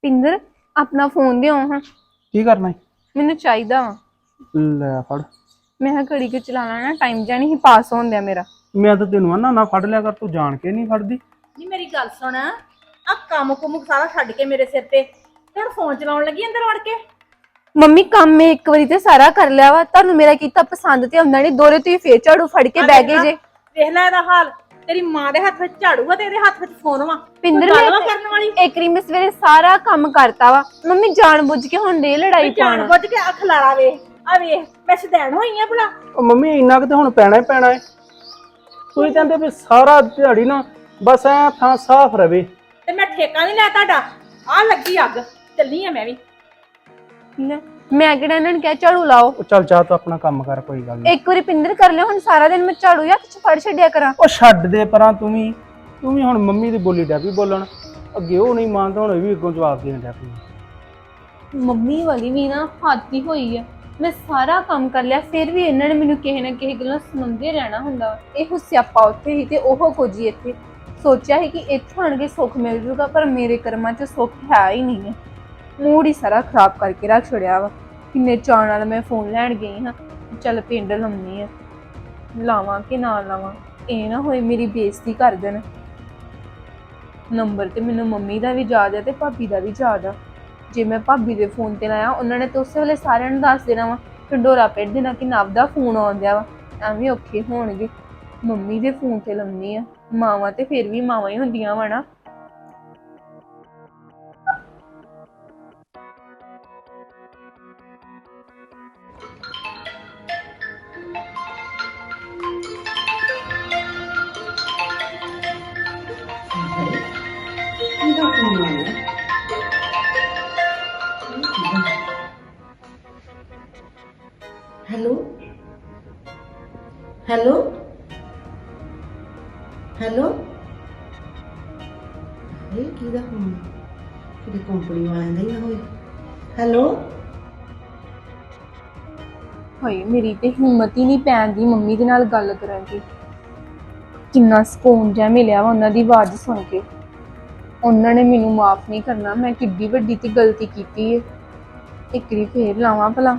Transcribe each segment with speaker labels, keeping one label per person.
Speaker 1: ਪਿੰਦਰ ਆਪਣਾ ਫੋਨ ਦਿਓ ਹਾਂ।
Speaker 2: ਕੀ ਕਰਨਾ
Speaker 1: ਮੈਨੂੰ ਚਾਹੀਦਾ ਵਾ।
Speaker 2: ਲੈ ਫੜ।
Speaker 1: ਮੈਂ ਕਿਹਾ ਘੜੀ ਕੁ ਚਲਾਣਾ ਨਾ, ਟਾਈਮ ਜਾਂ ਨਹੀਂ ਪਾਸ ਹੋਣ ਦਿਆ ਮੇਰਾ।
Speaker 2: ਮੈਂ ਤਾਂ ਤੈਨੂੰ ਆਨਾ ਨਾ ਫੜ ਲਿਆ ਕਰ, ਤੂੰ ਜਾਣ ਕੇ ਨਹੀਂ ਫੜਦੀ।
Speaker 3: ਨਹੀਂ ਮੇਰੀ ਗੱਲ ਸੁਣ, ਆ ਕੰਮ ਕੁਮ ਸਾਰਾ ਛੱਡ ਕੇ ਮੇਰੇ ਸਿਰ ਤੇ ਹੁਣ ਫੋਨ ਚਲਾਉਣ ਲੱਗੀ ਅੰਦਰ ਵੜ ਕੇ।
Speaker 1: ਮੰਮੀ ਕੰਮ ਮੈਂ ਇੱਕ ਵਾਰੀ ਤੇ ਸਾਰਾ ਕਰ ਲਿਆ ਵਾ, ਤੁਹਾਨੂੰ ਮੇਰਾ ਕੀਤਾ ਪਸੰਦ ਤੇ ਆਉਂਦਾ ਨਹੀਂ, ਦੋਰੇ ਤੁਸੀਂ ਫੇਰ ਝਾੜੂ ਫੜ ਕੇ ਬਹਿ ਗਏ ਜੇ।
Speaker 3: ਵੇਖ ਲੈ ਇਹਦਾ ਹਾਲ, ਤੇਰੀ ਮਾਂ ਦੇ ਹੱਥ ਵਿੱਚ ਝਾੜੂ ਆ ਤੇ ਇਹਦੇ ਹੱਥ ਵਿੱਚ ਫੋਨ ਵਾ।
Speaker 1: ਪਿੰਦਰ
Speaker 3: ਮੈਂ ਕਰਨ ਵਾਲੀ
Speaker 1: ਇੱਕ ਵਾਰੀ ਮੈਂ ਸਵੇਰੇ ਸਾਰਾ ਕੰਮ ਕਰਤਾ ਵਾ, ਮੰਮੀ ਜਾਣ ਬੁੱਝ ਕੇ ਹੁਣ ਦੇ ਲੜਾਈ
Speaker 3: ਜਾਣ
Speaker 1: ਪਾਉਣਾ।
Speaker 3: ਬੁੱਝ ਕੇ ਅੱਖ ਲਾੜਾ ਵੇਖ ਆ ਵੇਖ, ਮੈਂ ਸਦੈਣ ਹੋਈ ਆ ਭਲਾ।
Speaker 2: ਉਹ ਮੰਮੀ ਇੰਨਾ ਕੁ ਤੇ ਹੁਣ ਪੈਣਾ ਹੀ ਪੈਣਾ ਏ। ਤੁਸੀਂ ਕਹਿੰਦੇ ਵੀ ਸਾਰਾ ਦਿਹਾੜੀ ਨਾ ਬਸ ਐ ਥਾਂ ਸਾਫ਼ ਰਵੇ।
Speaker 3: ਤੇ ਮੈਂ ਠੇਕਾ ਨਹੀਂ ਲਿਆ ਤੁਹਾਡਾ, ਆ ਲੱਗੀ ਅੱਗ, ਚੱਲੀ ਆ ਮੈਂ ਵੀ।
Speaker 1: ਮੈਂ ਕਿਹੜਾ ਇਹਨਾਂ ਨੂੰ ਕਿਹਾ ਝਾੜੂ ਲਾਓ।
Speaker 2: ਉਹ ਚੱਲ ਜਾ ਤੂੰ ਆਪਣਾ ਕੰਮ ਕਰ, ਕੋਈ ਗੱਲ ਨਹੀਂ।
Speaker 1: ਇੱਕ ਵਾਰੀ ਪਿੰਦਰ ਕਰ ਲਿਆ, ਹੁਣ ਸਾਰਾ ਦਿਨ ਮੈਂ ਝਾੜੂ ਹੱਥ ਚ ਫੜ ਛੱਡਿਆ ਕਰਾਂ।
Speaker 2: ਉਹ ਛੱਡ ਦੇ ਪਰਾਂ, ਤੂੰ ਵੀ ਹੁਣ ਮੰਮੀ ਦੀ ਬੋਲੀ ਡੈ ਪਈ ਬੋਲਣ। ਅੱਗੇ ਉਹ ਨਹੀਂ ਮੰਨਦਾ, ਹੁਣ ਇਹ ਵੀ ਅੱਗੋਂ ਜਵਾਬ ਦੇਣ ਡੈ ਪਈ।
Speaker 1: ਮੰਮੀ ਵਾਲੀ ਵੀ ਨਾ ਹਾਦੀ ਹੋਈ ਆ, ਮੈਂ ਸਾਰਾ ਕੰਮ ਕਰ ਲਿਆ ਫਿਰ ਵੀ ਇਹਨਾਂ ਨੇ ਮੈਨੂੰ ਕਿਸੇ ਨਾ ਕਿਸੇ ਗੱਲੋਂ ਸੁਣਾਉਂਦੇ ਰਹਿਣਾ ਹੁੰਦਾ। ਇਹੋ ਸਿਆਪਾ ਉੱਥੇ ਹੀ ਤੇ ਉਹ ਕੁਝ ਹੀ ਇੱਥੇ। ਸੋਚਿਆ ਸੀ ਕਿ ਇੱਥੇ ਆਣ ਕੇ ਸੁੱਖ ਮਿਲ ਜੂਗਾ, ਪਰ ਮੇਰੇ ਕਰਮਾਂ 'ਚ ਸੁੱਖ ਹੈ ਹੀ ਨਹੀਂ ਹੈ। ਮੂਡ ਹੀ ਸਾਰਾ ਖਰਾਬ ਕਰਕੇ ਰੱਖ ਛੜਿਆ ਵਾ। ਕਿੰਨੇ ਚਾਅ ਨਾਲ ਮੈਂ ਫੋਨ ਲੈਣ ਗਈ ਹਾਂ, ਚੱਲ ਪਿੰਡ ਲਾਉਣੀ ਆ, ਲਾਵਾਂ ਕਿ ਨਾ ਲਾਵਾਂ, ਇਹ ਨਾ ਹੋਏ ਮੇਰੀ ਬੇਇੱਜ਼ਤੀ ਕਰ ਦੇਣ। ਨੰਬਰ ਤੇ ਮੈਨੂੰ ਮੰਮੀ ਦਾ ਵੀ ਯਾਦ ਹੈ ਤੇ ਭਾਬੀ ਦਾ ਵੀ ਯਾਦ ਆ। ਜੇ ਮੈਂ ਭਾਬੀ ਦੇ ਫੋਨ ਤੇ ਲਾਇਆ, ਉਹਨਾਂ ਨੇ ਤਾਂ ਉਸੇ ਵੇਲੇ ਸਾਰਿਆਂ ਨੂੰ ਦੱਸ ਦੇਣਾ ਵਾ, ਢੰਡੋਰਾ ਪਿੱਟ ਦੇਣਾ ਕਿ ਨਵ ਦਾ ਫੋਨ ਆਉਂਦਿਆ ਵਾ, ਐਵੇਂ ਔਖੇ ਹੋਣਗੇ। ਮੰਮੀ ਦੇ ਫੋਨ ਤੇ ਲਾਉਣੀ ਆ, ਮਾਵਾਂ ਤੇ ਫਿਰ ਵੀ ਮਾਵਾਂ ਹੀ ਹੁੰਦੀਆਂ ਵਾ ਨਾ।
Speaker 4: हेलो हेलो हेलो ਇਹ ਕਿਹਦਾ ਫੋਨ? ਕਿਤੇ ਕੰਪਨੀ ਵਾਲਿਆਂ ਦਾ ਹੀ ਨਾ ਹੋਏ। ਹੈਲੋ
Speaker 1: ਹਾਏ ਮੇਰੀ ਤੇ ਹਿੰਮਤ ਹੀ ਨਹੀਂ ਪੈਂਦੀ ਮੰਮੀ ਦੇ ਨਾਲ ਗੱਲ ਕਰਨ ਦੀ। ਕਿੰਨਾ ਸਕੂਨ ਜਿਹਾ ਮਿਲਿਆ ਵਾ ਉਹਨਾਂ ਦੀ ਆਵਾਜ਼ ਸੁਣ ਕੇ। ਉਹਨਾਂ ਨੇ ਮੈਨੂੰ ਮਾਫ ਨਹੀਂ ਕਰਨਾ, ਮੈਂ ਕਿੱਡੀ ਵੱਡੀ ਤੇ ਗਲਤੀ ਕੀਤੀ ਹੈ। ਇੱਕ ਵਾਰੀ ਫੇਰ ਲਾਵਾਂ ਭਲਾ।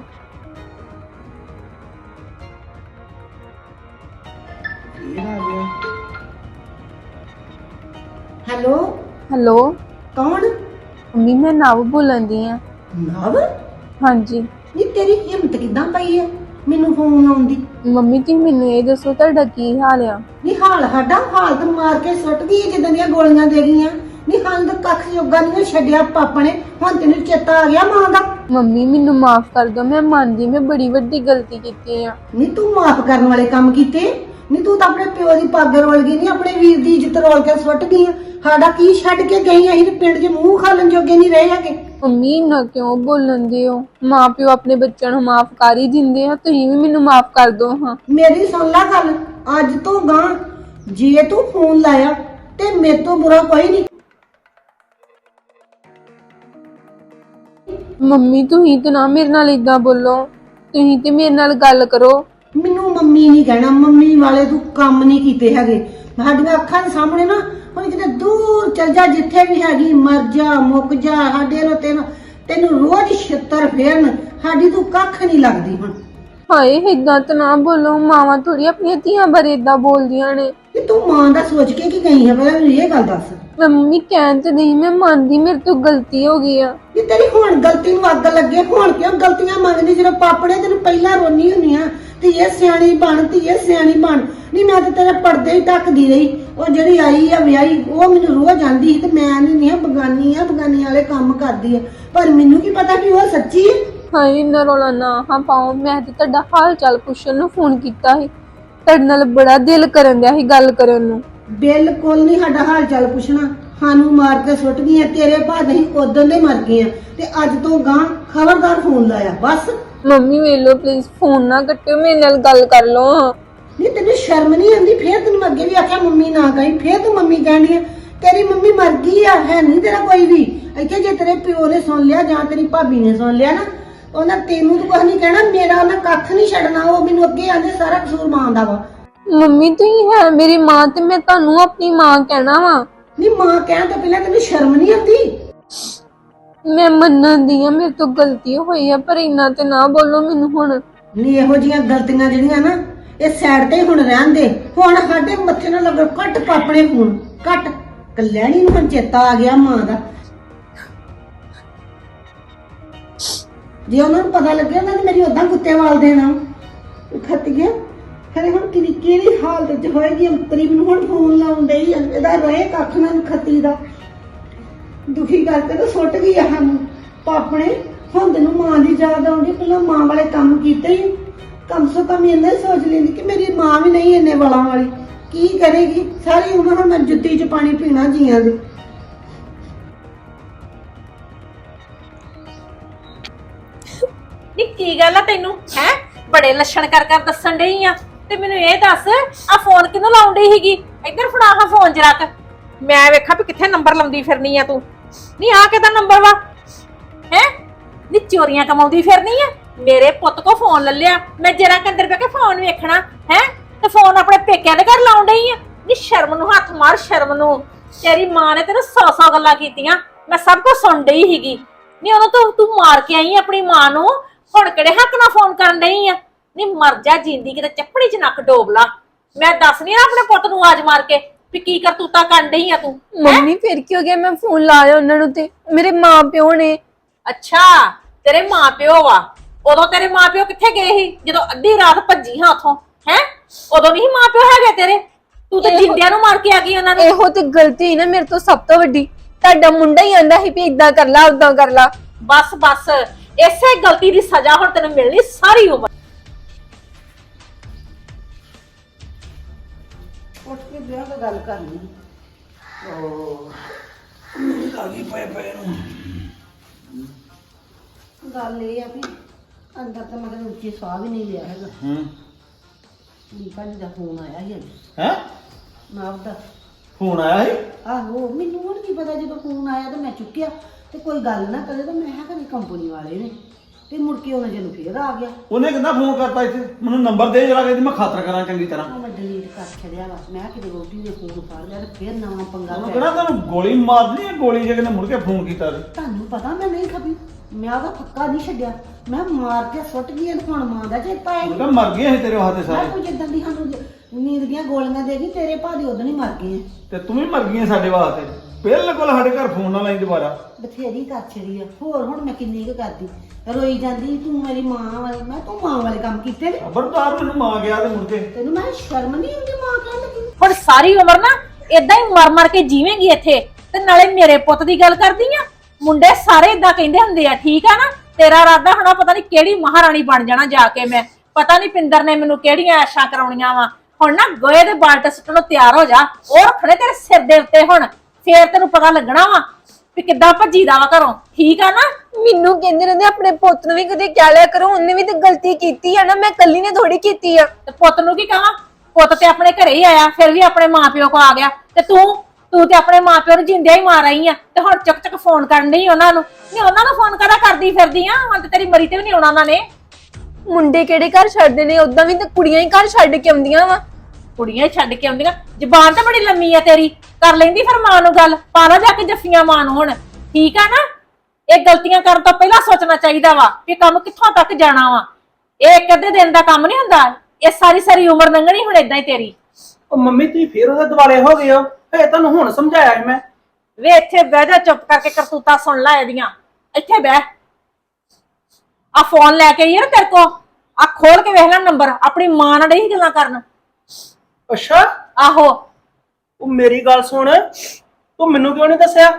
Speaker 4: ਹੈਲੋ
Speaker 1: ਹੈਲੋ
Speaker 4: ਕੌਣ?
Speaker 1: ਮੰਮੀ ਮੈਂ ਨਵ ਬੋਲਣ ਦੀ ਆ।
Speaker 4: ਨਵ?
Speaker 1: ਹਾਂਜੀ
Speaker 4: ਨੀ ਤੇਰੀ ਹਿੰਮਤ ਕਿੱਦਾਂ ਪਈ ਹੈ ਮੈਨੂੰ ਫੋਨ ਲਾਉਣ ਦੀ?
Speaker 1: ਮੰਮੀ ਤੁਸੀਂ ਮੈਨੂੰ ਇਹ ਦੱਸੋ ਤੁਹਾਡਾ ਕੀ ਹਾਲ ਆ?
Speaker 4: ਨੀ ਹਾਲ ਸਾਡਾ ਹਾਲ ਤਾਂ ਮਾਰ ਕੇ ਸੁੱਟ ਗਈ ਜਿੱਦਾਂ ਦੀਆਂ ਗੋਲੀਆਂ ਦੇ ਗਈਆਂ। ਨੀ ਹਾਲ ਤਾਂ ਕੱਖ ਜੋਗਾ ਨਹੀਂ ਛੱਡਿਆ ਪਾਪਾ ਨੇ। ਹੁਣ ਤੈਨੂੰ ਚੇਤਾ ਆ ਗਿਆ ਮਾਂ ਦਾ?
Speaker 1: ਮੰਮੀ ਮੈਨੂੰ ਮਾਫ ਕਰ ਦਿਓ, ਮੈਂ ਮੰਨਦੀ ਮੈਂ ਬੜੀ ਵੱਡੀ ਗਲਤੀ ਕੀਤੀ ਆ।
Speaker 4: ਨੀ ਤੂੰ ਮਾਫ ਕਰਨ ਵਾਲੇ ਕੰਮ ਕੀਤੇ? ਨੀ ਤੂੰ ਤਾਂ ਆਪਣੇ ਪਿਓ ਦੀ ਪੱਗ ਰੋਲ ਗਈ, ਨਹੀਂ ਆਪਣੇ ਵੀਰ ਦੀ ਇੱਜ਼ਤ ਰੋਲ ਕੇ ਸੁੱਟ ਗਈ। ਸਾਡਾ ਕੀ ਛੱਡ ਕੇ ਗਈ? ਅਸੀਂ ਤੇ ਪਿੰਡ 'ਚ ਮੂੰਹ ਖਾਲਣ ਜੋਗੇ ਨਹੀਂ ਰਹੇ ਹੈਗੇ।
Speaker 1: ਮੰਮੀ ਇੰਨਾ ਕਿਉਂ ਬੋਲਣ ਦੇ ਹੋ? ਮਾਂ ਪਿਓ ਆਪਣੇ ਬੱਚਿਆਂ ਨੂੰ ਮਾਫ ਕਰ ਹੀ ਦਿੰਦੇ ਆ, ਤੁਸੀਂ ਵੀ ਮੈਨੂੰ ਮਾਫ ਕਰ ਦਿਓ। ਹਾਂ
Speaker 4: ਮੇਰੀ ਸੁਣ ਲੈ ਗੱਲ, ਅੱਜ ਤੋਂ ਗਾਂ ਜੇ ਤੂੰ ਫੋਨ ਲਾਇਆ ਤੇ ਮੇਰੇ ਤੋਂ ਬੁਰਾ ਕੋਈ ਨਹੀਂ।
Speaker 1: ਮੰਮੀ ਤੁਸੀਂ ਤੇ ਨਾ ਮੇਰੇ ਨਾਲ ਇਦਾਂ ਬੋਲੋ, ਤੁਸੀਂ ਤੇ ਮੇਰੇ ਨਾਲ ਗੱਲ ਕਰੋ।
Speaker 4: ਮੈਨੂੰ ਮੰਮੀ ਨਹੀਂ ਕਹਿਣਾ, ਮੰਮੀ ਵਾਲੇ ਤੂੰ ਕੰਮ ਨਹੀਂ ਕੀਤੇ ਹੈਗੇ। ਸਾਡੀਆਂ ਅੱਖਾਂ ਦੇ ਸਾਹਮਣੇ ਨਾ ਹੁਣ ਕਿਤੇ ਦੂਰ ਚਲ ਜਾ, ਜਿੱਥੇ ਵੀ ਹੈਗੀ ਮਰ ਜਾ ਮੁੱਕ ਜਾ, ਸਾਡੇ ਨੂੰ ਤੈਨੂੰ ਰੋਜ਼ ਛਿੱਤਰ ਫੇਰਨ, ਸਾਡੀ ਤੂੰ ਕੱਖ ਨਹੀਂ ਲੱਗਦੀ ਹੁਣ।
Speaker 1: ਹਾਏ ਏਦਾਂ ਤਾਂ ਨਾ ਬੋਲੋ, ਮਾਵਾਂ ਥੋੜੀ ਆਪਣੀਆਂ ਧੀਆਂ ਬਾਰੇ ਏਦਾਂ ਬੋਲਦੀਆਂ ਨੇ।
Speaker 4: ਕਿ ਤੂੰ ਮਾਂ ਦਾ ਸੋਚ ਕੇ ਕੀ ਗਈ ਹੈ? ਪਹਿਲਾਂ ਮੈਨੂੰ ਇਹ ਗੱਲ ਦੱਸ।
Speaker 1: ਮੈਂ ਮੰਮੀ ਕਹਿਣ ਤੇ ਨਹੀਂ, ਮੈਂ ਮੰਨਦੀ ਮੇਰੇ ਤੋਂ ਗਲਤੀ ਹੋ ਗਈ ਆ।
Speaker 4: ਕਿ ਤੇਰੀ ਹੁਣ ਗਲਤੀ ਨੂੰ ਅੱਗ ਲੱਗੇ, ਹੁਣ ਕਿਉਂ ਗਲਤੀਆਂ ਮੰਗਦੀ? ਜਦੋਂ ਪਾਪੜੇ ਤੈਨੂੰ ਪਹਿਲਾਂ ਰੋਣੀ ਹੁੰਨੀ ਆ ਧੀਏ ਸਿਆਣੀ ਬਣ, ਧੀਏ ਸਿਆਣੀ ਬਣ। ਨਹੀਂ ਮੈਂ ਤਾਂ ਤੇਰੇ ਪਰਦੇ ਹੀ ਢੱਕਦੀ ਰਹੀ। ਉਹ ਜਿਹੜੀ ਆਈ ਆ ਵਿਆਹੀ, ਉਹ ਮੈਨੂੰ ਰੋਜ਼ ਆਂਦੀ ਸੀ ਤੇ ਮੈਂ ਨਹੀਂ ਬਗਾਨੀ ਵਾਲੇ ਕੰਮ ਕਰਦੀ ਆ, ਪਰ ਮੈਨੂੰ ਕੀ ਪਤਾ ਕਿ ਉਹ ਸੱਚੀ ਹੈ।
Speaker 1: ਹਾਏ ਇੰਨਾ ਰੌਲਾ ਨਾ ਹਾਂ ਪਾਓ, ਮੈਂ ਤੇ ਤੁਹਾਡਾ ਹਾਲ ਚਾਲ ਪੁੱਛਣ ਨੂੰ ਫੋਨ ਕੀਤਾ ਸੀ, ਤੁਹਾਡੇ ਨਾਲ ਬੜਾ ਦਿਲ ਕਰਨ ਦਿਆ ਸੀ ਗੱਲ ਕਰਨ ਨੂੰ।
Speaker 4: ਬਿਲਕੁਲ ਨਹੀਂ ਸਾਡਾ ਹਾਲ ਚਾਲ ਪੁੱਛਣਾ, ਸਾਨੂੰ ਮਾਰ ਕੇ ਸੁੱਟ ਗਈਆਂ। ਤੇਰੇ ਭਾਅ ਅਸੀਂ ਉਦੋਂ ਦੇ ਮਰ ਗਏ ਆ ਤੇ ਅੱਜ ਤੋਂ ਗਾਂ ਖਬਰਦਾਰ ਫੋਨ ਲਾਇਆ ਬਸ।
Speaker 1: ਮੰਮੀ ਵੇਖ ਲਓ ਪਲੀਜ਼, ਫੋਨ ਨਾ ਕੱਟਿਓ, ਮੇਰੇ ਨਾਲ ਗੱਲ ਕਰ ਲਓ।
Speaker 4: ਨਹੀਂ ਤੈਨੂੰ ਸ਼ਰਮ ਨਹੀਂ ਆਉਂਦੀ? ਫੇਰ ਤੈਨੂੰ ਅੱਗੇ ਵੀ ਆਖਿਆ ਮੰਮੀ ਨਾ ਕਹੀਂ, ਫੇਰ ਤੂੰ ਮੰਮੀ ਕਹਿਣੀ ਆ। ਤੇਰੀ ਮੰਮੀ ਮਰ ਗਈ ਆ, ਹੈ ਨਹੀਂ ਤੇਰਾ ਕੋਈ ਵੀ ਇੱਥੇ। ਜੇ ਤੇਰੇ ਪਿਓ ਨੇ ਸੁਣ ਲਿਆ ਜਾਂ ਤੇਰੀ ਭਾਬੀ ਨੇ ਸੁਣ ਲਿਆ ਨਾ, ਉਹਨਾਂ ਤੈਨੂੰ ਤਾਂ ਕੁਝ ਨਹੀਂ ਕਹਿਣਾ, ਮੇਰਾ ਉਹਨਾਂ ਕੱਖ ਨਹੀਂ ਛੱਡਣਾ। ਉਹ ਮੈਨੂੰ ਅੱਗੇ ਆਂਦੇ ਸਾਰਾ ਕਸੂਰ ਮਾਂ ਦਾ ਵਾ।
Speaker 1: ਮੰਮੀ ਤੁਸੀਂ ਹੈ ਮੇਰੀ ਮਾਂ ਤੇ ਮੈਂ ਤੁਹਾਨੂੰ ਆਪਣੀ ਮਾਂ ਕਹਿਣਾ ਵਾ।
Speaker 4: ਨਹੀਂ ਮਾਂ ਕਹਿਣ ਤੋਂ ਪਹਿਲਾਂ ਤੈਨੂੰ ਸ਼ਰਮ ਨਹੀਂ ਆਉਂਦੀ?
Speaker 1: ਮੈਂ ਮੰਨਦੀ ਆ ਮੇਰੇ ਤੋਂ ਗਲਤੀ ਹੋਈ ਆ, ਪਰ ਇੰਨਾ ਤੇ ਨਾ ਬੋਲੋ ਮੈਨੂੰ ਹੁਣ।
Speaker 4: ਨਹੀਂ ਇਹੋ ਜੀਆਂ ਗਲਤੀਆਂ ਜਿਹੜੀਆਂ ਨਾ ਇਹ ਸਾਈਡ ਤੇ ਹੁਣ ਰਹਿਣ ਦੇ। ਹੁਣ ਸਾਡੇ ਮੱਥੇ ਨਾਲ ਲੱਗਣ ਕੱਟ ਪਾਪਣੇ ਫੋਨ ਕੱਟ। ਕਲਿਆਣੀ ਨੂੰ ਹੁਣ ਚੇਤਾ ਆ ਗਿਆ ਮਾਂ ਦਾ। ਜੇ ਉਹਨਾਂ ਨੂੰ ਪਤਾ ਲੱਗਿਆ ਉਹਨਾਂ ਨੇ ਮੇਰੀ ਉਦਾਂ ਕੁੱਤੇ ਵਾਲ ਦੇਣਾ। ਖੱਤ ਗਿਆ ਖਰੇ ਹੁਣ ਕਿਹੜੀ ਹਾਲਤ ਚ ਹੋਏਗੀ। ਅੰਤਰੀ ਮੈਨੂੰ ਹੁਣ ਫੋਨ ਲਾਉਣ ਡਈ ਆ। ਇਹਦਾ ਰਹੇ ਕੱਖ ਨਾ ਖੱਤੀ ਦਾ ਦੁਖੀ ਕਰਕੇ ਤਾਂ ਸੁੱਟ ਗਈ ਆ ਸਾਨੂੰ ਪਾਪਣੇ। ਹੁਣ ਤੈਨੂੰ ਮਾਂ ਦੀ ਯਾਦ ਆਉਂਦੀ, ਪਹਿਲਾਂ ਮਾਂ ਵਾਲੇ ਕੰਮ ਕੀਤੇ ਹੀ। ਕਮ ਸੋ ਕਮ ਇੰਨਾ ਸੋਚ ਲੈਂਦੀ ਕਿ ਮੇਰੀ ਮਾਂ ਵੀ ਨਹੀਂ ਇੰਨੇ ਵਾਲਾਂ ਵਾਲੀ। ਕੀ ਕਰੇਗੀ ਸਾਰੀ ਉਮਰ ਹੁਣ ਮੈਂ ਜੁੱਤੀ 'ਚ ਪਾਣੀ ਪੀਣਾ ਜੀਆਂ ਦੇ।
Speaker 3: ਨੀ ਕੀ ਗੱਲ ਆ ਤੈਨੂੰ ਹੈ? ਬੜੇ ਲੱਛਣ ਕਰ ਦੱਸਣ ਡਈ ਆ। ਤੇ ਮੈਨੂੰ ਇਹ ਦੱਸ ਆ ਫੋਨ ਕਿਹਨੂੰ ਲਾਉਣ ਡਈ ਸੀਗੀ? ਇੱਧਰ ਫੜਾ ਹਾਂ ਫੋਨ ਜਰਾ ਕ, ਮੈਂ ਵੇਖਾਂ ਵੀ ਕਿੱਥੇ ਨੰਬਰ ਲਾਉਂਦੀ ਫਿਰਨੀ ਆ ਤੂੰ। ਨੀ ਆ ਕਿਹਦਾ ਨੰਬਰ ਵਾ ਹੈ? ਨੀ ਚੋਰੀਆਂ ਕਮਾਉਂਦੀ ਫਿਰਨੀ ਆ। ਮੇਰੇ ਪੁੱਤ ਕੋ ਫੋਨ ਲੈ ਲਿਆ, ਮੈਂ ਜਰਾ ਕ ਅੰਦਰ ਬੈ ਕੇ ਫੋਨ ਵੇਖਣਾ ਹੈ ਤੇ ਫੋਨ ਆਪਣੇ ਪੇਕਿਆਂ ਦੇ ਘਰ ਲਾਉਣ ਡਈ ਆ। ਨੀ ਸ਼ਰਮ ਨੂੰ ਹੱਥ ਮਾਰ, ਸ਼ਰਮ ਨੂੰ। ਤੇਰੀ ਮਾਂ ਨੇ ਤੈਨੂੰ 100 ਗੱਲਾਂ ਕੀਤੀਆਂ, ਮੈਂ ਸਭ ਕੁਝ ਸੁਣ ਡਈ ਸੀਗੀ। ਨੀ ਉਹਨੂੰ ਤੂੰ ਮਾਰ ਕੇ ਆਈ ਆਪਣੀ ਮਾਂ ਨੂੰ, ਹੁਣ ਕਿਹੜੇ ਹੱਕ ਨਾਲ ਫੋਨ ਕਰਨ ਡਈ ਆ? ਨੀ ਮਰ ਜਾ ਜਿੰਦੀ ਕਿਤੇ ਚੱਪੜੀ 'ਚ ਨੱਕ ਡੋਬ ਲਾ। ਮੈਂ ਦੱਸਨੀ ਆ ਆਪਣੇ ਪੁੱਤ ਨੂੰ ਆਵਾਜ਼ ਮਾਰ ਕੇ ਵੀ ਕੀ ਕਰਤੂਤਾ ਕਰਨ ਡਈ ਆ ਤੂੰ।
Speaker 1: ਮੰਮੀ ਫਿਰ ਕੀ ਹੋ ਗਿਆ? ਮੈਂ ਫੋਨ ਲਾਇਆ ਉਹਨਾਂ ਨੂੰ ਤੇ ਮੇਰੇ ਮਾਂ ਪਿਓ ਨੇ।
Speaker 3: ਅੱਛਾ ਤੇਰੇ ਮਾਂ ਪਿਓ ਵਾ। ਉਦੋਂ ਤੇਰੇ ਮਾਂ ਪਿਓ ਕਿੱਥੇ ਗਏ ਸੀ ਜਦੋਂ ਅੱਧੀ ਰਾਤ ਭੱਜੀ ਹਾਂ ਉਥੋਂ? ਹੈ ਉਦੋਂ ਨਹੀਂ ਮਾਂ ਪਿਓ ਹੈਗੇ ਤੇਰੇ? ਤੂੰ ਤਾਂ ਜਿੰਦਿਆਂ ਨੂੰ ਮਾਰ ਕੇ ਆ ਗਈ ਉਹਨਾਂ ਨੂੰ।
Speaker 1: ਇਹੋ ਤੇ ਗਲਤੀ ਹੀ ਨਾ ਮੇਰੇ ਤੋਂ ਸਭ ਤੋਂ ਵੱਡੀ। ਤੁਹਾਡਾ ਮੁੰਡਾ ਹੀ ਆਂਦਾ ਸੀ ਵੀ ਇਦਾਂ ਕਰ ਲਾ ਉਦਾਂ ਕਰ ਲਾ।
Speaker 3: ਬਸ ਬਸ ਇਸੇ ਗਲਤੀ ਦੀ ਸਜ਼ਾ ਹੁਣ ਤੈਨੂੰ ਮਿਲਣੀ ਸਾਰੀ ਉਮਰ।
Speaker 4: ਉੱਠ ਕੇ ਵਿਆਹ ਦਾ ਗੱਲ ਕਰਨੀ। ਗੱਲ ਇਹ ਆ ਵੀ ਅੰਦਰ ਤਾਂ ਮਤਲਬ ਉੱਚੀ ਸਾਹ ਵੀ ਨਹੀਂ ਲਿਆ ਹੈਗਾ। ਲੀਪਾ ਜੀ ਦਾ ਫੋਨ ਆਇਆ ਸੀ ਅੱਜ।
Speaker 2: ਹੈ
Speaker 4: ਨਾਬ ਦਾ
Speaker 2: ਫੋਨ ਆਇਆ ਸੀ?
Speaker 4: ਆਹੋ ਮੈਨੂੰ ਹੁਣ ਕੀ ਪਤਾ, ਜਦੋਂ ਫੋਨ ਆਇਆ ਤਾਂ ਮੈਂ ਚੁੱਕਿਆ ਤੇ ਕੋਈ ਗੱਲ ਨਾ ਕਰੇ ਤਾਂ ਮੈਂ ਕਿਹਾ ਕੰਪਨੀ ਵਾਲੇ ਨੇ, ਤੇ ਮੁੜ ਕੇ ਉਹਨਾਂ ਜਦੋਂ ਫੇਰ ਆ ਗਿਆ।
Speaker 2: ਉਹਨੇ ਕਿੰਨਾ ਫੋਨ ਕਰਤਾ ਇੱਥੇ? ਮੈਨੂੰ ਨੰਬਰ ਦੇ ਜਰਾ, ਕਹਿੰਦੀ ਮੈਂ ਖਾਤਰ ਕਰਾਂ ਚੰਗੀ ਤਰ੍ਹਾਂ।
Speaker 4: ਉਹ ਮੈਂ ਡਿਲੀਟ ਕਰ ਛੱਡਿਆ ਵਾ। ਮੈਂ ਕਿਤੇ ਰੋਟੀ ਨੇ ਫੋਨ ਫੜ ਲਿਆ ਤੇ ਫੇਰ ਨਵਾਂ ਪੰਗਾ
Speaker 2: ਉਹਨੂੰ
Speaker 4: ਪੈ
Speaker 2: ਕਹਿੰਦਾ
Speaker 4: ਗਿਆ।
Speaker 2: ਤੈਨੂੰ ਗੋਲੀ ਮਾਰਨੀ ਹੈ, ਗੋਲੀ ਜੇ ਕਿਨੇ ਮੁੜ ਕੇ ਫੋਨ ਕੀਤਾ ਤੇ।
Speaker 4: ਤੁਹਾਨੂੰ ਪਤਾ ਮੈਂ ਨਹੀਂ ਖਪੀ, ਮੈਂ ਉਹਦਾ ਪੱਕਾ ਨਹੀਂ ਛੱਡਿਆ। ਮੈਂ ਮਾਰ ਕੇ ਸੁੱਟ ਗਈ ਤੇ ਹੁਣ ਮਾਂ ਦਾ ਚੇਤਾ ਆਇਆ।
Speaker 2: ਉਹ ਤਾਂ ਮਰ ਗਏ ਸੀ ਤੇਰੇ ਹੱਥੇ
Speaker 4: ਮੈਂ
Speaker 2: ਸਾਰੇ।
Speaker 4: ਤੂੰ ਜਿੱਦਾਂ ਦੀ ਸਾਨੂੰ ਨੀਂਦ ਦੀਆਂ ਗੋਲੀਆਂ ਦੇ ਗਈ, ਤੇਰੇ ਭਾਜੀ ਉਦੋਂ ਹੀ ਮਰ ਗਏ।
Speaker 2: ਤੇ ਤੂੰ ਵੀ ਮਰ ਗਈ ਸਾਡੇ ਵਾਸਤੇ। ਬਿਲਕੁਲ ਸਾਡੇ ਘਰ ਫੋਨ ਨਾ ਲਾਈ ਦੁਬਾਰਾ।
Speaker 4: ਬਥੇਰੀ ਕਰ ਛੜੀ ਆ। ਹੋਰ ਹੁਣ ਮੈਂ ਕਿੰਨੀ ਕੁ ਕਰਦੀ। ਰੋਈ ਜਾਂਦੀ ਤੂੰ ਮੇਰੀ ਮਾਂ ਵਾਲੀ। ਮੈਂ ਤੂੰ ਮਾਂ ਵਾਲੇ ਕੰਮ ਕੀਤੇ ਨੇ।
Speaker 2: ਖਬਰਦਾਰ ਮੈਨੂੰ ਮਾਂ ਗਿਆ ਤੇ ਮੁੜ ਕੇ।
Speaker 4: ਤੈਨੂੰ ਮੈਂ ਸ਼ਰਮ ਨਹੀਂ ਆਉਂਦੀ ਮਾਂ ਕਹਿਣ ਲੱਗੀ?
Speaker 3: ਹੁਣ ਸਾਰੀ ਉਮਰ ਨਾ ਇਦਾਂ ਹੀ ਮਰ ਕੇ ਜੀਵੇਂਗੀ ਇੱਥੇ। ਤੇ ਨਾਲੇ ਮੇਰੇ ਪੁੱਤ ਦੀ ਗੱਲ ਕਰਦੀ ਆ। ਮੁੰਡੇ ਸਾਰੇ ਇਦਾਂ ਕਹਿੰਦੇ ਹੁੰਦੇ ਆ, ਠੀਕ ਆ ਨਾ? ਤੇਰਾ ਇਰਾਦਾ ਹੋਣਾ ਪਤਾ ਨਹੀਂ ਕਿਹੜੀ ਮਹਾਰਾਣੀ ਬਣ ਜਾਣਾ ਜਾ ਕੇ ਮੈਂ। ਪਤਾ ਨਹੀਂ ਪਿੰਦਰ ਨੇ ਮੈਨੂੰ ਕਿਹੜੀਆਂ ਐਸ਼ਾਂ ਕਰਾਉਣੀਆਂ ਵਾ। ਹੁਣ ਨਾ ਗੋਏ ਦੇ ਬਾਲਟੇ ਸੁੱਟਣ ਨੂੰ ਤਿਆਰ ਹੋ ਜਾ। ਉਹ ਰੱਖਣੇ ਤੇਰੇ ਸਿਰ ਦੇ ਉੱਤੇ ਹੁਣ, ਫੇਰ ਤੈਨੂੰ ਪਤਾ ਲੱਗਣਾ ਵਾ ਵੀ ਕਿੱਦਾਂ ਭੱਜੀਦਾ ਵਾ ਘਰੋਂ, ਠੀਕ ਆ ਨਾ?
Speaker 1: ਮੈਨੂੰ ਕਹਿੰਦੇ ਰਹਿੰਦੇ ਆਪਣੇ ਪੁੱਤ ਨੂੰ ਵੀ ਕਦੇ ਕਹਿ ਲਿਆ ਕਰੋ, ਉਹਨੇ ਵੀ ਤੇ ਗਲਤੀ ਕੀਤੀ ਆ ਨਾ, ਮੈਂ ਕੱਲੀ ਨੇ ਥੋੜੀ ਕੀਤੀ ਆ।
Speaker 3: ਤੇ ਪੁੱਤ ਨੂੰ ਕੀ ਕਹਾਂ? ਪੁੱਤ ਤੇ ਆਪਣੇ ਘਰੇ ਹੀ ਆਇਆ, ਫਿਰ ਵੀ ਆਪਣੇ ਮਾਪਿਓ ਕੋ ਆ ਗਿਆ। ਤੇ ਤੂੰ ਤੇ ਆਪਣੇ ਮਾਪਿਓ ਨੂੰ ਜਿੰਦਿਆਂ ਹੀ ਮਾਰ ਆਈ ਆ। ਤੇ ਹੁਣ ਚੱਕ ਫੋਨ ਕਰਨ ਡਈ ਉਹਨਾਂ ਨੂੰ। ਨਹੀਂ ਉਹਨਾਂ ਨੂੰ ਫੋਨ ਕਰਾ ਕਰਦੀ ਫਿਰਦੀ ਆ? ਹੁਣ ਤੇ ਤੇਰੀ ਮਰੀ ਤੇ ਵੀ ਨਹੀਂ ਆਉਣਾ ਉਹਨਾਂ ਨੇ।
Speaker 1: ਮੁੰਡੇ ਕਿਹੜੇ ਘਰ ਛੱਡਦੇ ਨੇ? ਉਦਾਂ ਵੀ ਤੇ ਕੁੜੀਆਂ ਹੀ ਘਰ ਛੱਡ ਕੇ ਆਉਂਦੀਆਂ ਵਾ।
Speaker 3: ਕੁੜੀਆਂ ਹੀ ਛੱਡ ਕੇ ਆਉਂਦੀਆਂ? ਜ਼ਬਾਨ ਤਾਂ ਬੜੀ ਲੰਮੀ ਆ ਤੇਰੀ। ਕਰ ਲੈਂਦੀ ਫਿਰ ਮਾਂ ਨੂੰ ਗੱਲ, ਪਾ ਲਾ ਜਾ ਕੇ ਜੱਫੀਆਂ ਮਾਂ ਨੂੰ ਹੁਣ, ਠੀਕ ਆ ਨਾ? ਇਹ ਗਲਤੀਆਂ ਕਰਨ ਤੋਂ ਪਹਿਲਾਂ ਸੋਚਣਾ ਚਾਹੀਦਾ ਵਾ ਕਿ ਕੰਮ ਕਿੱਥੋਂ ਤੱਕ ਜਾਣਾ ਵਾ। ਇਹ ਇੱਕ ਅੱਧੇ ਦਿਨ ਦਾ ਕੰਮ ਨਹੀਂ ਹੁੰਦਾ। ਇਹ ਸਾਰੀ ਉਮਰ ਲੰਘਣੀ ਹੁਣ ਏਦਾਂ ਹੀ ਤੇਰੀ।
Speaker 2: ਉਹ ਮੰਮੀ ਤੁਸੀਂ ਫੇਰ ਉਹਦੇ ਦੁਆਲੇ ਹੋ ਗਏ ਹੋ। ਇਹ ਤੁਹਾਨੂੰ ਹੁਣ ਸਮਝਾਇਆ ਸੀ ਮੈਂ।
Speaker 3: ਵੇ ਇੱਥੇ ਬਹਿ ਜਾ, ਚੁੱਪ ਕਰਕੇ ਕਰਤੂਤਾ ਸੁਣ ਲੈ ਇਹਦੀਆਂ। ਇੱਥੇ ਬਹਿ। ਆ ਫੋਨ ਲੈ ਕੇ ਯਾਰ ਤੇਰੇ ਕੋ ਆ ਖੋਲ ਕੇ ਵੇਖ ਲੈ ਨੰਬਰ। ਆਪਣੀ ਮਾਂ ਨਾਲ ਨਹੀਂ ਗੱਲਾਂ ਕਰਨ।
Speaker 2: ਅੱਛਾ
Speaker 3: ਆਹੋ
Speaker 2: ਉਹ ਮੇਰੀ ਗੱਲ ਸੁਣ, ਤੂੰ ਮੈਨੂੰ ਕਿਉਂ ਨਹੀਂ ਦੱਸਿਆ?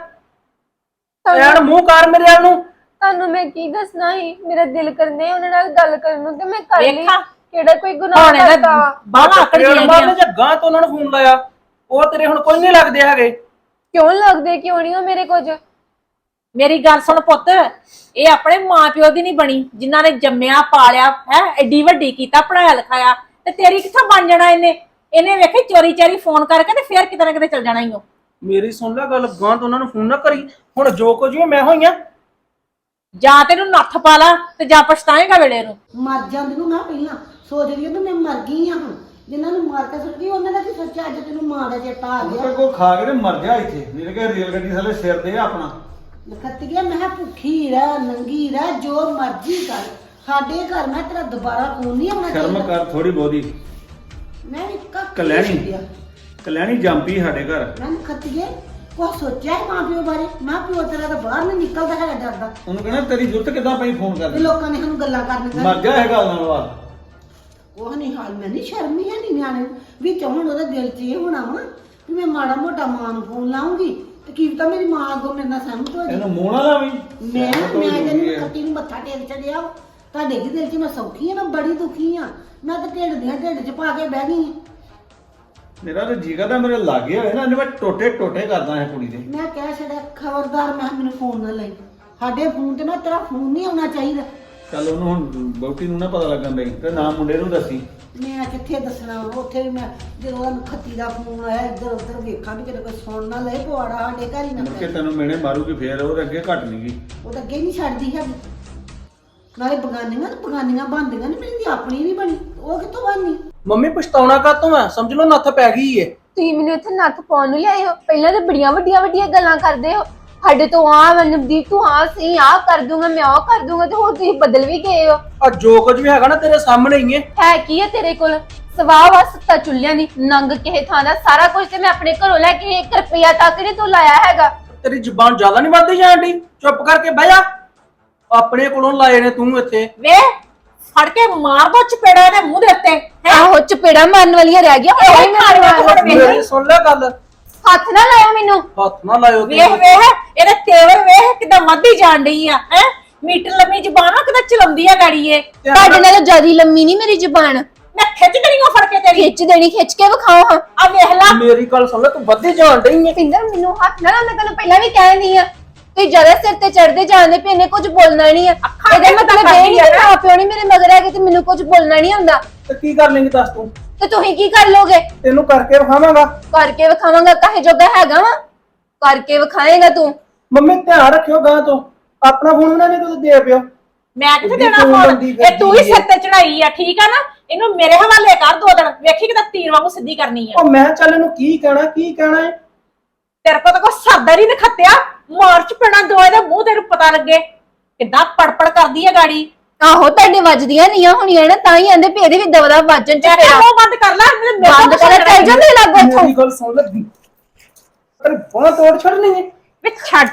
Speaker 2: ਐਨ ਮੂੰਹ ਕਰ ਮੇਰੇ ਵੱਲ ਨੂੰ।
Speaker 1: ਤੁਹਾਨੂੰ ਮੈਂ ਕੀ ਦੱਸਣਾ ਸੀ? ਮੇਰਾ ਦਿਲ ਕਰਨੇ ਉਹਨਾਂ ਨਾਲ ਗੱਲ ਕਰਨ ਨੂੰ ਤੇ ਮੈਂ ਕਰ ਲਈ।
Speaker 3: ਵੇਖਾਂ
Speaker 1: ਕਿਹੜਾ ਕੋਈ ਗੁਨਾਹ ਕਰਤਾ?
Speaker 3: ਬਾਹਾਂ ਆਕੜ ਗਈਆਂ।
Speaker 2: ਜੱਗਾ ਤੋਂ ਉਹਨਾਂ ਨੂੰ ਫੋਨ ਲਾਇਆ, ਉਹ ਤੇਰੇ ਹੁਣ ਕੋਈ ਨਹੀਂ ਲੱਗਦੇ ਹੈਗੇ।
Speaker 1: ਕਿਉਂ ਲੱਗਦੇ? ਕਿਉਂ ਨਹੀਂ ਹੋ ਮੇਰੇ ਕੁਝ?
Speaker 3: ਮੇਰੀ ਗੱਲ ਸੁਣ ਪੁੱਤ, ਇਹ ਆਪਣੇ ਮਾਪਿਓ ਦੀ ਨਹੀਂ ਬਣੀ ਜਿਨ੍ਹਾਂ ਨੇ ਜੰਮਿਆ ਪਾਲਿਆ ਹੈ, ਐਡੀ ਵੱਡੀ ਕੀਤਾ, ਪੜਾਇਆ ਲਿਖਾਇਆ। ਤੇ ਤੇਰੀ ਕਿੱਥੋਂ ਬਣ ਜਾਣਾ ਇਹਨੇ ਵੇਖੀ ਚੋਰੀ ਚਾਰੀ ਫੋਨ ਕਰਕੇ ਤੇ ਫੇਰ ਕਿਤੇ ਨਾ ਕਿਤੇ ਚਲ ਜਾਣਾ ਹੀ ਉਹ।
Speaker 2: ਮੇਰੀ ਸੁਣ ਲੈ ਗੱਲ, ਗਾਂ ਤੋਂ ਉਹਨਾਂ ਨੂੰ ਫੋਨ ਨਾ ਕਰੀ। ਹੁਣ ਜੋ ਕੁਝ ਵੀ ਮੈਂ ਹੋਈਆਂ,
Speaker 3: ਜਾਂ ਤੈਨੂੰ ਨੱਥ ਪਾ ਲਾ ਤੇ ਜਾਂ ਪਛਤਾਏਗਾ ਵੇਲੇ ਨੂੰ।
Speaker 4: ਮਰ ਜਾਂਦੀ ਨੂੰ ਮੈਂ ਪਹਿਲਾਂ ਸੋਚਦੀ ਹਾਂ ਮੈਂ ਮਰ ਗਈ ਆ। ਹੁਣ ਜਿਨ੍ਹਾਂ ਨੂੰ ਮਾਰ ਕੇ ਸੁੱਟ ਗਈ ਉਹਨਾਂ ਦਾ ਕੀ ਸੋਚਿਆ? ਅੱਜ ਤੈਨੂੰ ਮਾਂ ਦਾ ਚੇਤਾ ਆ ਗਿਆ।
Speaker 2: ਕੋਈ ਖਾ ਕੇ ਤੇ ਮਰ ਗਿਆ ਇੱਥੇ। ਮੇਰੇ ਕੇ ਰੇਲ ਗੱਡੀ ਥੱਲੇ ਸਿਰ ਦੇ ਆਪਣਾ।
Speaker 4: ਨਖੱਤੀਏ ਮੈਂ ਕਿਹਾ ਭੁੱਖੀ ਰਹਿ ਨੰਗੀ ਰਹਿ ਜੋ ਮਰਜ਼ੀ ਕਰ ਸਾਡੇ ਘਰ ਮੈਂ ਤੇਰਾ ਦੁਬਾਰਾ ਖੂਨ ਨਹੀਂ ਆਉਣਾ
Speaker 5: ਸ਼ਰਮ ਕਰ ਥੋੜੀ ਬਹੁਤੀ।
Speaker 4: ਮੈਂ ਵੀ
Speaker 5: ਕਲੈਣੀ ਜੰਪੀ ਸਾਡੇ ਘਰ।
Speaker 4: ਮੈਂ ਨਖੱਤੀਏ ਕੋ ਸੋਚਿਆ ਹੈ ਮਾਂ ਪਿਓ ਬਾਰੇ? ਮਾਂ ਪਿਓ ਤੇਰਾ ਤਾਂ ਬਾਹਰ ਨਹੀਂ ਨਿਕਲਦਾ ਹੈਗਾ ਡਰਦਾ।
Speaker 5: ਉਹਨੂੰ ਕਹਿਣਾ ਤੇਰੀ ਜ਼ਰੂਰਤ ਕਿੱਦਾਂ ਪਈ ਫੋਨ
Speaker 4: ਤੇ
Speaker 5: ਕਰਦੀ?
Speaker 4: ਲੋਕਾਂ ਨੇ ਸਾਨੂੰ ਗੱਲਾਂ ਕਰਨ
Speaker 5: ਮਰ ਜਾ ਇਹ ਗੱਲ ਨਾਲ ਵਾ।
Speaker 4: ਉਹ ਨਹੀਂ ਹਾਲ ਮੈਂ ਨਹੀਂ ਸ਼ਰਮੀ ਹੈ ਨਹੀਂ ਨਿਆਣੇ ਨੂੰ ਵੀ ਹੁਣ ਉਹਦੇ ਦਿਲ 'ਚ ਇਹ ਹੋਣਾ ਵਾ ਵੀ ਮੈਂ ਮਾੜਾ ਮੋਟਾ ਮਾਂ ਨੂੰ ਫੋਨ ਲਾਉਂਗੀ ਤੇ ਕੀ ਪਤਾ ਮੇਰੀ ਮਾਂ ਅੱਗੋਂ ਮੇਰੇ ਨਾਲ ਸਹਿਮਤ ਹੋ ਜਾਏ।
Speaker 5: ਇਹਨੂੰ ਮੂੰਹ ਨਾ ਲਾਵੀਂ।
Speaker 4: ਮੈਂ ਤੈਨੂੰ ਖੱਤੀ ਨੂੰ ਮੱਥਾ ਟੇਕ ਚੜਿਆ ਤੁਹਾਡੇ ਦੇ ਦਿਲ 'ਚ ਮੈਂ ਸੌਖੀ ਆ ਮੈਂ ਬੜੀ ਦੁਖੀ ਆ ਮੈਂ ਤਾਂ ਢਿੱਡ 'ਚ ਪਾ ਕੇ ਬਹਿ ਗਈ ਆ।
Speaker 5: ਮੇਰਾ ਤਾਂ ਜੀ ਕਰਦਾ ਮੇਰੇ ਲਾਗੇ ਹੋਏ ਨਾ ਇਹਨੇ ਮੈਂ ਟੋਟੇ ਕਰਦਾ ਇਹ ਕੁੜੀ ਦੇ।
Speaker 4: ਮੈਂ ਕਹਿ ਛੱਡਿਆ ਖਬਰਦਾਰ ਮੈਂ ਮੈਨੂੰ ਫੋਨ ਨਾ ਲਈ ਸਾਡੇ ਫੋਨ ਤੇ ਮੈਂ ਤੇਰਾ ਫੋਨ ਨਹੀਂ ਆਉਣਾ ਚਾਹੀਦਾ।
Speaker 5: ਚੱਲ ਉਹਨੂੰ ਹੁਣ ਬਹੁਤੀ ਨੂੰ ਨਾ ਪਤਾ ਲੱਗਣ ਦੇ ਤੇ ਨਾ ਮੁੰਡੇ ਨੂੰ ਦੱਸੀ।
Speaker 4: ਮੈਂ ਕਿੱਥੇ ਦੱਸਣਾ ਉੱਥੇ ਵੀ ਮੈਂ ਜਦੋਂ ਉਹਨੂੰ ਖੱਤੀ ਦਾ ਫੋਨ ਆਇਆ ਇੱਧਰ ਉੱਧਰ ਵੇਖਾਂ ਵੀ ਕਿਤੇ ਕੋਈ ਸੁਣ ਨਾ ਲਏ ਪਵਾੜਾ ਸਾਡੇ ਘਰ ਹੀ ਨਾ
Speaker 5: ਮੁੜ ਕੇ ਤੈਨੂੰ ਮੇਣੇ ਮਾਰੂਗੀ ਫੇਰ ਉਹਦੇ ਅੱਗੇ ਘਟ ਨਹੀਂਗੀ।
Speaker 4: ਉਹ ਤਾਂ ਅੱਗੇ ਨਹੀਂ ਛੱਡਦੀ ਹੈਗੀ ਨਾਲੇ ਬਗਾਨੀਆਂ ਬਣਦੀਆਂ ਨੇ ਮੇਰੀ ਦੀ ਆਪਣੀ ਨਹੀਂ ਬਣੀ ਉਹ ਕਿੱਥੋਂ ਬਣਨੀ?
Speaker 2: ਮੰਮੀ ਪਛਤਾਉਣਾ ਕਾਤੋਂ ਆ? ਸਮਝ ਲਓ ਨੱਥ ਪੈ ਗਈ ਏ।
Speaker 1: ਤੁਸੀਂ ਮੈਨੂੰ ਇੱਥੇ ਨੱਥ ਪਾਉਣ ਨੂੰ ਲਿਆਏ ਹੋ। ਪਹਿਲਾਂ ਤਾਂ ਬੜੀਆਂ ਵੱਡੀਆਂ ਗੱਲਾਂ ਕਰਦੇ ਹੋ ਸਾਡੇ ਤੋਂ ਆ ਮਨਦੀਪ ਤੂੰ ਆ ਸਹੀ ਆ ਕਰ ਦੂੰਗਾ ਮੈਂ ਉਹ ਕਰ ਦੂੰਗਾ ਤੇ ਹੋਰ ਤੁਸੀਂ ਬਦਲ ਵੀ ਗਏ ਹੋ।
Speaker 2: ਆ ਜੋ ਕੁਝ ਵੀ ਹੈਗਾ ਨਾ ਤੇਰੇ ਸਾਹਮਣੇ ਹੀ ਏ।
Speaker 1: ਹੈ ਕੀ ਹੈ ਤੇਰੇ ਕੋਲ? ਸਵਾਹ ਵਾ ਸੱਤਾ ਚੁੱਲਿਆਂ ਦੀ ਨੰਗ ਕਿਸੇ ਥਾਂ ਦਾ ਸਾਰਾ ਕੁਝ ਤੇ ਮੈਂ ਆਪਣੇ ਘਰੋਂ ਲੈ ਕੇ 1 ਰੁਪਿਆ ਤੱਕ ਨਹੀਂ ਤੂੰ ਲਾਇਆ ਹੈਗਾ।
Speaker 2: ਤੇਰੀ ਜ਼ੁਬਾਨ ਜ਼ਿਆਦਾ ਨਹੀਂ ਵੱਧਦੀ ਜਾਣ ਡਈ? ਚੁੱਪ ਕਰਕੇ ਬਹਿ ਜਾ। ਆਪਣੇ ਕੋਲੋਂ ਲਾਏ ਨੇ ਤੂੰ ਇੱਥੇ।
Speaker 3: ਵੇ ਫੜ ਕੇ ਮਾਰ ਦੋ ਚਪੇੜਾ ਇਹਦੇ ਮੂੰਹ ਦੇ ਉੱਤੇ ਹੈਂ?
Speaker 1: ਆਹੋ ਚਪੇੜਾ ਮਾਰਨ ਵਾਲੀਆਂ ਰਹਿ ਗਿਆ
Speaker 3: ਇਹ ਖਾਣੀਆਂ ਤੋਂ ਹੁਣ
Speaker 2: ਮੇਰੀ ਸੁਣ ਲੈ ਗੱਲ।
Speaker 1: ਹੱਥ ਨਾ ਲਾਇਓ ਮੈਨੂੰ।
Speaker 2: ਹੱਥ ਨਾ ਲਾਇਓ ਤੂੰ।
Speaker 3: ਵੇਖ ਇਹਦੇ ਤੇਵਰ ਵੇਖ ਕਿਦਾਂ ਮੱਧੀ ਜਾਣ ਡਈ ਆ ਹੈ ਮੀਟਰ ਲੰਮੀ ਜ਼ਬਾਨ ਆ ਕਿਦਾਂ ਚਲਾਉਂਦੀ ਆ ਗਾੜੀ ਇਹ।
Speaker 1: ਤੁਹਾਡੇ ਨਾਲੋਂ ਜ਼ਿਆਦਾ ਲੰਮੀ ਨਹੀਂ ਮੇਰੀ ਜ਼ੁਬਾਨ।
Speaker 3: ਮੈਂ ਖਿੱਚ ਦੇਣੀ ਉਹ ਫੜ ਕੇ ਤੇਰੀ।
Speaker 1: ਖਿੱਚ ਕੇ ਵਿਖਾਓ ਹਾਂ।
Speaker 3: ਆ ਵੇਖ ਲਾ
Speaker 2: ਮੇਰੀ ਗੱਲ ਸੁਣ ਲੈ ਤੂੰ ਵੱਧੀ ਜਾਣ ਡਈ ਏ।
Speaker 1: ਪਿੰਦਰ ਮੈਨੂੰ ਹੱਥ ਨਾ ਲਾ ਮੈਂ ਤੈਨੂੰ ਪਹਿਲਾਂ ਵੀ ਕਹਿੰਦੀ ਆ ਤੁਸੀਂ ਜਰਾ ਸਿਰ ਤੇ ਚੜਦੇ ਜਾਂਦੇ ਪਏ ਇਹਨੇ ਕੁਝ ਬੋਲਣਾ ਨਹੀਂ ਆ। ਇਹਦਾ ਮਤਲਬ ਇਹ ਨਹੀਂ ਕਿ ਮਾਂ ਪਿਓ ਨਹੀਂ ਮੇਰੇ ਮਗਰ ਹੈਗੇ ਤੇ ਮੈਨੂੰ ਕੁਝ ਬੋਲਣਾ ਨਹੀਂ ਆਉਂਦਾ।
Speaker 2: ਤੇ ਕੀ ਕਰ ਲੇਂਗੀ ਦੱਸ ਤੂੰ?
Speaker 1: ਤੇ ਤੁਸੀਂ ਕੀ ਕਰ ਲੋਗੇ?
Speaker 2: ਤੈਨੂੰ ਕਰਕੇ ਵਿਖਾਵਾਂਗਾ।
Speaker 1: ਕਰਕੇ ਵਿਖਾਵਾਂਗਾ ਕਾਹੇ ਜੋਗਾ ਹੈਗਾ ਵਾ? ਕਰਕੇ ਵਿਖਾਏਗਾ ਤੂੰ।
Speaker 2: ਮੰਮੀ ਧਿਆਨ ਰੱਖਿਓ ਗਾਂ ਤੋਂ ਆਪਣਾ ਫੋਨ ਉਹਨਾਂ ਨੇ ਕਦੋਂ ਦੇ ਪਿਓ।
Speaker 3: ਮੈਂ ਕਿੱਥੇ ਦੇਣਾ ਫੋਨ? ਇਹ ਤੂੰ ਹੀ ਸਿਰ ਤੇ ਚੜਾਈ ਆ ਠੀਕ ਆ ਨਾ। ਇਹਨੂੰ ਮੇਰੇ ਹਵਾਲੇ ਕਰ 2 ਦਿਨ ਵੇਖੀ ਕਿਦਾਂ ਤੀਰ ਵਾਂਗੂ ਸਿੱਧੀ ਕਰਨੀ ਆ।
Speaker 2: ਉਹ ਮੈਂ ਚੱਲ ਇਹਨੂੰ ਕੀ ਕਹਿਣਾ ਏ?
Speaker 3: ਤੇਰੇ ਕੋਲ ਤਾਂ ਕੋਈ ਸਰਦਾ ਨਹੀਂ ਨਖੱਤਿਆ ਮਾਰਚ ਪੈਣਾ ਦੋ ਇਹਦੇ ਮੂੰਹ ਤੈਨੂੰ ਪਤਾ ਲੱਗੇ ਕਿੱਦਾਂ ਪੜਪੜ ਕਰਦੀ ਆ ਗਾੜੀ।
Speaker 1: ਆਹੋ ਤੁਹਾਡੇ ਵੱਜਦੀਆਂ ਨਹੀਂ ਹੋਣੀਆਂ ਨਾ ਤਾਂ ਹੀ ਆਂਦੇ ਵੀ ਇਹਦੇ ਵੀ ਦਵਦਾ ਵੱਜਣ ਚ
Speaker 3: ਤੇਰਾ ਮੂੰਹ ਬੰਦ ਕਰ ਲੈ
Speaker 1: ਬੰਦ ਕਰ ਚੱਲ ਜਾਂਦੇ ਲੱਗੋ ਇੱਥੋਂ।
Speaker 2: ਮੇਰੀ ਗੱਲ ਸੁਣ ਲੈ ਤੇਰੇ ਬਾਂਹ ਤੋੜ ਛੱਡਣੀ ਏ।
Speaker 3: ਵੇ ਛੱਡ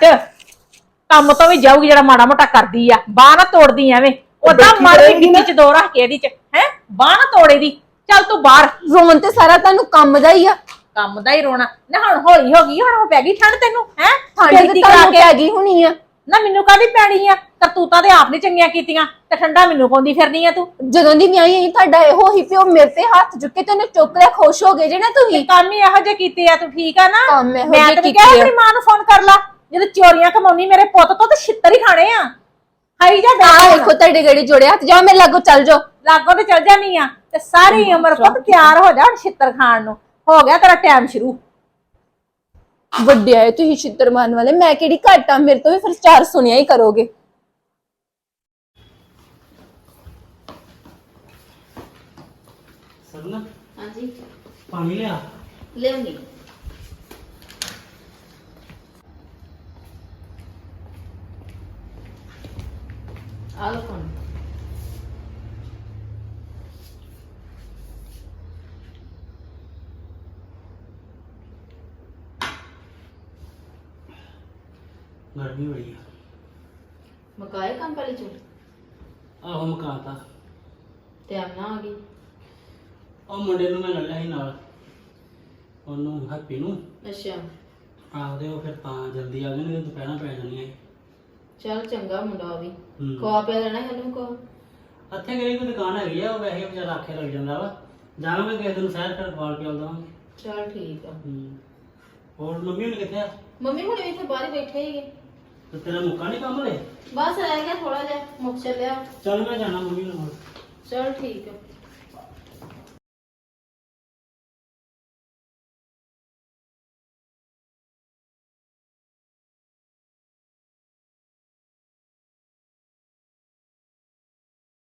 Speaker 3: ਕੰਮ ਤੋਂ ਵੀ ਜਾਊਗੀ ਜਿਹੜਾ ਮਾੜਾ ਮੋਟਾ ਕਰਦੀ ਆ ਬਾਹ ਨਾ ਤੋੜਦੀ ਐਵੇਂ ਉਦਾਂ ਮਰ ਵੀ ਗਿੱਟੀ ਚ ਦੋ ਰੱਖ ਕੇ ਇਹਦੀ ਚ ਹੈ ਬਾਹ ਨਾ ਤੋੜੇ ਦੀ। ਚੱਲ ਤੂੰ ਬਾਹਰ।
Speaker 1: ਰੋਣ ਤੇ ਸਾਰਾ ਤੁਹਾਨੂੰ ਕੰਮ ਦਾ ਹੀ ਆ।
Speaker 3: ਕੰਮ ਦਾ ਹੀ ਰੋਣਾ ਨਾ ਹੁਣ ਹੌਲੀ ਹੋ ਗਈ ਹੁਣ ਪੈ ਗਈ ਠੰਡ ਤੈਨੂੰ ਹੈ
Speaker 1: ਠੰਡ ਤੇ ਤੁਹਾਨੂੰ ਪੈ ਗਈ ਹੋਣੀ ਆ।
Speaker 3: ਨਾ ਮੈਨੂੰ ਕਾਹਦੀ ਪੈਣੀ ਆ ਕਰਤੂਤਾਂ ਤੇ ਆਪ ਨੀ ਚੰਗੀਆਂ ਕੀਤੀਆਂ ਤੇ ਠੰਡਾ ਮੈਨੂੰ ਪਾਉਂਦੀ ਫਿਰਨੀ ਆ ਤੂੰ।
Speaker 1: ਜਦੋਂ ਦੀ ਵਿਆਹੀ ਆਈ ਤੁਹਾਡਾ ਇਹੋ ਹੀ ਪਿਓ ਮੇਰੇ ਤੇ ਹੱਥ ਚੁੱਕੇ ਤੇ ਉਹਨੇ ਚੁੱਕ ਲਿਆ ਖੁਸ਼ ਹੋ ਗਏ ਜੇ ਨਾ ਤੁਸੀਂ।
Speaker 3: ਕੰਮ ਹੀ ਇਹੋ ਜਿਹੇ ਕੀਤੇ ਆ ਤੂੰ ਠੀਕ ਆ ਨਾ।
Speaker 1: ਕੰਮ ਇਹੋ
Speaker 3: ਮੈਂ
Speaker 1: ਜਿਹੇ
Speaker 3: ਤੈਨੂੰ
Speaker 1: ਕੀਤੇ
Speaker 3: ਕਿਹਾ
Speaker 1: ਆ।
Speaker 3: ਆਪਣੀ ਮਾਂ ਨੂੰ ਫੋਨ ਕਰ ਲਾ ਜਦੋਂ ਚੋਰੀਆਂ ਕਮਾਉਣੀ ਮੇਰੇ ਪੁੱਤ ਤੋਂ ਤੇ ਛਿੱਤਰ ਹੀ ਖਾਣੇ ਆ। ਹਾਈ ਜਾ
Speaker 1: ਆ ਦੇਖੋ ਤੁਹਾਡੇ ਗੜੀ ਜੋੜੇ ਹੱਥ ਜਾਓ ਮੇਰੇ ਲਾਗੋ ਚੱਲ ਜਾਓ।
Speaker 3: ਲਾਗੋਂ ਤੇ ਚੱਲ ਜਾਨੀ ਆ ਤੇ ਸਾਰੀ ਉਮਰ ਪੁੱਤ ਤਿਆਰ ਹੋ ਜਾ ਹੁਣ ਛਿੱਤਰ ਖਾਣ ਨੂੰ। ਹੋ ਗਿਆ ਤੇਰਾ ਟਾਈਮ ਸ਼ੁਰੂ।
Speaker 1: ਵੱਡੇ ਆਏ ਤੁਸੀਂ ਛਿੱਤਰ ਮਾਰਨ ਵਾਲੇ ਮੈਂ ਕਿਹੜੀ ਘੱਟ ਆ ਮੇਰੇ ਤੋਂ ਵੀ ਫਿਰ 4 ਸੁਣਿਆ ਹੀ ਕਰੋਗੇ।
Speaker 6: ਸਰਨਾ
Speaker 7: ਹਾਂਜੀ
Speaker 6: ਪਾਣੀ ਲਿਆ।
Speaker 7: ਲਿਆਉਂਗੀ। ਆ ਲਓ ਪਾਣੀ।
Speaker 6: ਗਰਮੀ ਬੜੀ ਆ।
Speaker 7: ਮਕਾਏ ਕੰਮ ਪਹਿਲੇ ਚੋਂ
Speaker 6: ਆਹੋ ਮਕਾਤਾ।
Speaker 7: ਟਾਈਮ ਨਾ ਆ ਗਈ।
Speaker 6: ਉਹ ਮੁੰਡੇ ਨੂੰ ਮੈਂ ਲੈ ਲਿਆ ਸੀ ਨਾਲ ਉਹਨੂੰ ਹੈਪੀ ਨੂੰ।
Speaker 7: ਅੱਛਾ
Speaker 6: ਆਖਦੇ ਉਹ ਫਿਰ ਤਾਂ ਜਲਦੀ ਆ ਗਏ ਨੇ ਦੁਪਹਿਰਾਂ ਪੈ ਜਾਣੀਆਂ ਸੀ।
Speaker 7: ਚੱਲ ਚੰਗਾ ਮੁੰਡਾ ਵੀ
Speaker 6: ਹੂੰ।
Speaker 7: ਖਵਾ ਪਿਆ ਦੇਣਾ ਉਹਨੂੰ ਕੋ।
Speaker 6: ਇੱਥੇ ਕਿਹੜੀ ਕੋਈ ਦੁਕਾਨ ਹੈਗੀ ਆ ਉਹ ਵੈਸੇ ਵਿਚਾਰਾ ਆਖੇ ਲੱਗ ਜਾਂਦਾ ਵਾ। ਜਾਵਾਂਗੇ ਕਿਸੇ ਦਿਨ ਸ਼ਹਿਰ ਫਿਰ ਖਵਾਲ ਕੇ ਆਉਂਦਾਵਾਂਗੇ।
Speaker 7: ਚੱਲ ਠੀਕ ਆ।
Speaker 6: ਹੋਰ ਮੰਮੀ ਹੁਣ ਕਿੱਥੇ ਆ?
Speaker 7: ਮੰਮੀ ਹੁਣ ਇੱਥੇ ਬਾਹਰ ਹੀ ਬੈਠੇ ਹੀਗੇ।
Speaker 6: ਤੇ ਤੇਰਾ ਮੁੱਕਾ ਨਹੀਂ ਕੰਮ ਲੈ?
Speaker 7: ਬਸ ਰਹਿ ਗਿਆ ਥੋੜਾ ਜਿਹਾ ਮੁੱਕ ਚੱਲਿਆ।
Speaker 6: ਚੱਲ ਮੈਂ ਜਾਣਾ ਮੰਮੀ ਨਾਲ।
Speaker 7: ਚੱਲ ਠੀਕ ਆ।